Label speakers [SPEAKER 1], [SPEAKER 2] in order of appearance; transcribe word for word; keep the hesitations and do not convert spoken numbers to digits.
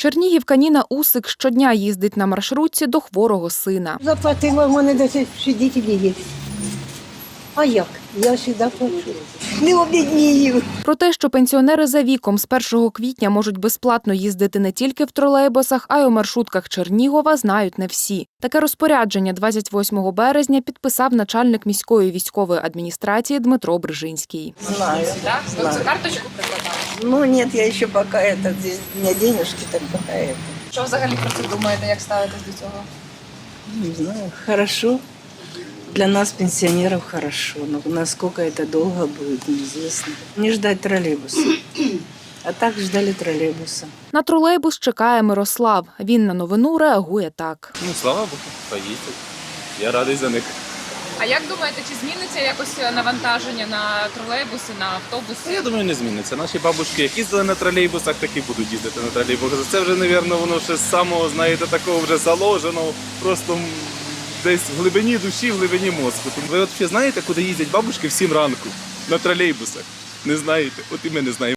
[SPEAKER 1] Чернігівка Ніна Усик щодня їздить на маршрутці до хворого сина.
[SPEAKER 2] Заплатила, в мене десять свідетелів є. А як? Я сюди плачу. Не обіднію.
[SPEAKER 1] Про те, що пенсіонери за віком з першого квітня можуть безплатно їздити не тільки в тролейбусах, а й у маршрутках Чернігова, знають не всі. Таке розпорядження двадцять восьмого березня підписав начальник міської військової адміністрації Дмитро Брижинський.
[SPEAKER 3] Знаю.
[SPEAKER 4] Да? Вы
[SPEAKER 3] Знаю.
[SPEAKER 4] цю карточку прикладали?
[SPEAKER 3] Ну нет, я еще пока это, здесь у меня денежки, так пока это.
[SPEAKER 4] Що взагалі про це думаєте, як ставитесь до цього?
[SPEAKER 3] Не знаю, хорошо. Для нас, пенсионеров, хорошо. Но насколько это долго будет, неизвестно. Не ждать троллейбуса. А так ждали троллейбуса.
[SPEAKER 1] На тролейбус чекає Мирослав. Він на новину реагує так.
[SPEAKER 5] Ну, слава Богу, поїздять. Я радий за них.
[SPEAKER 4] А як думаєте, чи зміниться якось навантаження на тролейбуси, на автобуси?
[SPEAKER 5] Я думаю, не зміниться. Наші бабушки, як їздили на тролейбусах, так і будуть їздити на тролейбусах. Це вже, мабуть, воно ще з самого, знаєте, такого вже заложено, просто десь в глибині душі, в глибині мозку. Ви от взагалі знаєте, куди їздять бабушки в сім ранку? На тролейбусах. Не знаєте? От і ми не знаємо.